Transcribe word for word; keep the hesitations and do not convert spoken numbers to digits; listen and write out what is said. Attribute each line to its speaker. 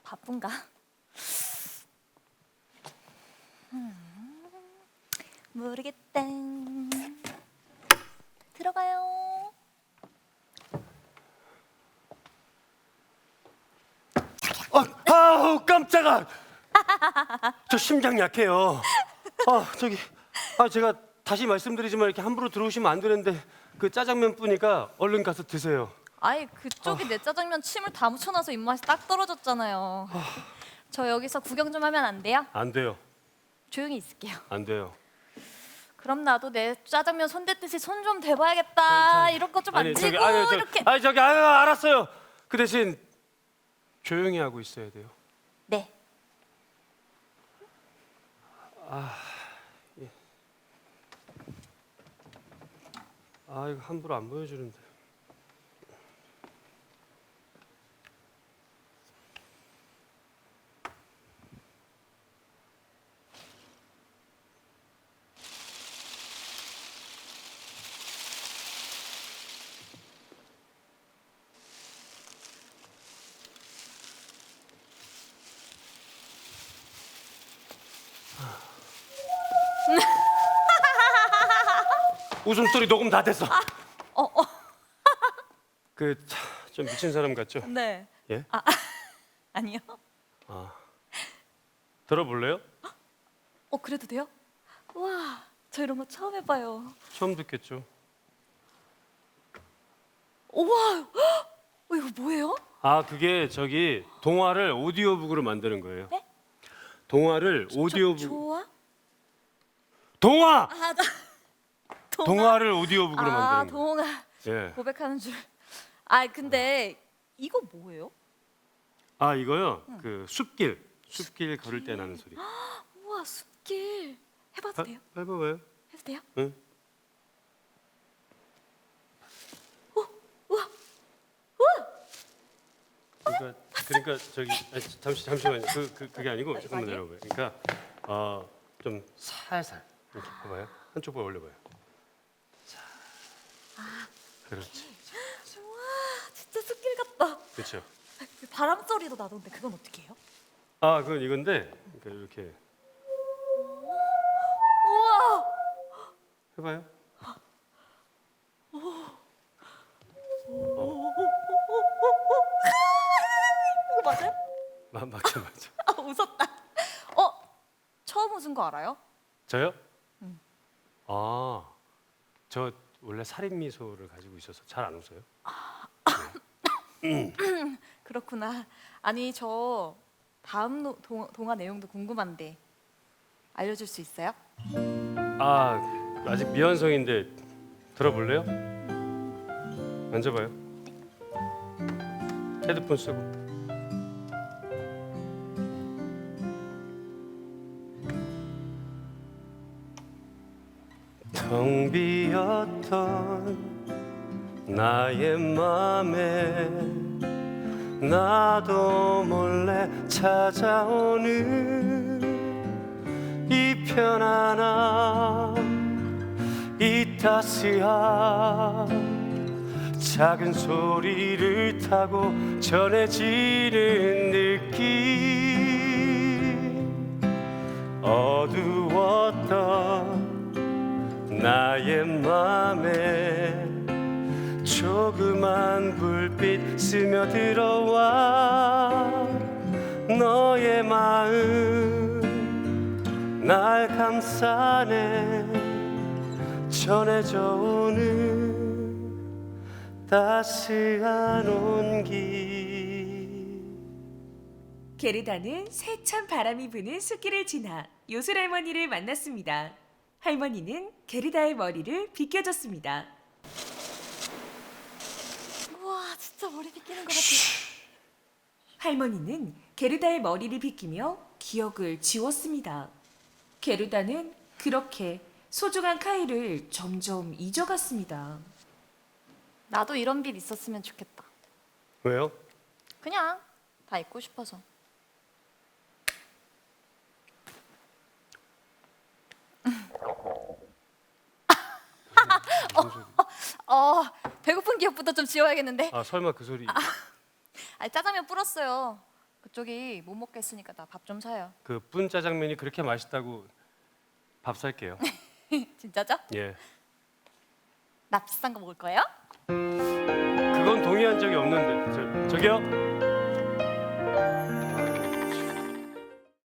Speaker 1: 바쁜가? 음, 모르겠다. 들어가요.
Speaker 2: 아, 아우 깜짝아. 저 심장 약해요. 아 저기 아 제가 다시 말씀드리지만 이렇게 함부로 들어오시면 안 되는데 그 짜장면 뿌니까 얼른 가서 드세요.
Speaker 1: 아이 그쪽이 내 짜장면 침을 다 묻혀놔서 입맛이 딱 떨어졌잖아요. 저 여기서 구경 좀 하면 안 돼요?
Speaker 2: 안 돼요.
Speaker 1: 조용히 있을게요.
Speaker 2: 안 돼요.
Speaker 1: 그럼 나도 내 짜장면 손댔듯이 손 좀 대봐야겠다.
Speaker 2: 괜찮아.
Speaker 1: 이런 거 좀
Speaker 2: 아니,
Speaker 1: 만지고
Speaker 2: 저기, 아니, 저,
Speaker 1: 이렇게.
Speaker 2: 아니 저기 아유 알았어요. 그 대신 조용히 하고 있어야 돼요.
Speaker 1: 네.
Speaker 2: 아 이거 함부로 안 보여주는데. 웃음소리 녹음 다 됐어.
Speaker 1: 어 어.
Speaker 2: 그 좀 미친 사람 같죠?
Speaker 1: 네.
Speaker 2: 예?
Speaker 1: 아니요.
Speaker 2: 들어볼래요?
Speaker 1: 어 그래도 돼요? 와, 저 이런 거 처음 해봐요.
Speaker 2: 처음 듣겠죠.
Speaker 1: 우와, 어, 이거 뭐예요?
Speaker 2: 아 그게 저기 동화를 오디오북으로 만드는 거예요.
Speaker 1: 네?
Speaker 2: 동화를 오디오북
Speaker 1: 조, 좋아?
Speaker 2: 동화
Speaker 1: 아, 나 동화.
Speaker 2: 동화를 오디오북으로
Speaker 1: 아,
Speaker 2: 만드는 거.
Speaker 1: 동화.
Speaker 2: 예.
Speaker 1: 고백하는 줄. 아, 근데 이거 뭐예요?
Speaker 2: 아 이거요. 그 숲길 숲길 걸을 때 나는 소리.
Speaker 1: 우와, 숲길. 해봐도 돼요?
Speaker 2: 아, 해봐봐요.
Speaker 1: 해도 돼요?
Speaker 2: 응.
Speaker 1: 우와,
Speaker 2: 그러니까 그러니까 저기 아, 잠시 잠시만요. 그, 그 그게 아니고 잠깐만
Speaker 1: 아니에요?
Speaker 2: 내려봐요. 그러니까 어좀 살살 이렇게 봐봐요. 한쪽 볼 올려봐요. 자. 그렇지.
Speaker 1: 우와, 진짜 숲길 같다.
Speaker 2: 그렇죠.
Speaker 1: 그 바람 소리도 나던데 그건 어떻게 해요?
Speaker 2: 아 그건 이건데 그러니까 이렇게
Speaker 1: 우와,
Speaker 2: 해봐요.
Speaker 1: 이거 맞아요?
Speaker 2: 마, 맞죠 맞죠.
Speaker 1: 아, 웃었다. 어, 처음 웃은 거 알아요?
Speaker 2: 저요? 아, 저 원래 살인 미소를 가지고 있어서 잘 안 웃어요.
Speaker 1: 그렇구나. 아니 저 다음 노, 동, 동화 내용도 궁금한데 알려줄 수 있어요?
Speaker 2: 아, 아직 미완성인데 들어볼래요? 앉아봐요. 헤드폰 쓰고. 텅 비었던 나의 맘에 나도 몰래 찾아오는 이 편안함 이 따스한 작은 소리를 타고 전해지는 느낌 어두웠던 나의 맘에 조그만 불빛 스며들어와 너의 마음 날 감싸네 전해져 오는 따스한 온기.
Speaker 3: 게르다는 세찬 바람이 부는 숲길을 지나 요술 할머니를 만났습니다. 할머니는 게르다의 머리를 빗겨줬습니다.
Speaker 1: 우와, 진짜 머리 빗기는 것 같아.
Speaker 3: 할머니는 게르다의 머리를 빗기며 기억을 지웠습니다. 게르다는 그렇게 소중한 카이를 점점 잊어갔습니다.
Speaker 1: 나도 이런 빛 있었으면 좋겠다.
Speaker 2: 왜요?
Speaker 1: 그냥 다 잊고 싶어서. 어, 배고픈 기억부터 좀 지워야겠는데.
Speaker 2: 아 설마 그 소리.
Speaker 1: 아니, 짜장면 불었어요. 그쪽이 못 먹겠으니까 나 밥 좀 사요.
Speaker 2: 그 뿐 짜장면이 그렇게 맛있다고 밥 살게요.
Speaker 1: 진짜죠?
Speaker 2: 예.
Speaker 1: 나 비싼 거 먹을 거예요?
Speaker 2: 그건 동의한 적이 없는데 저, 저기요.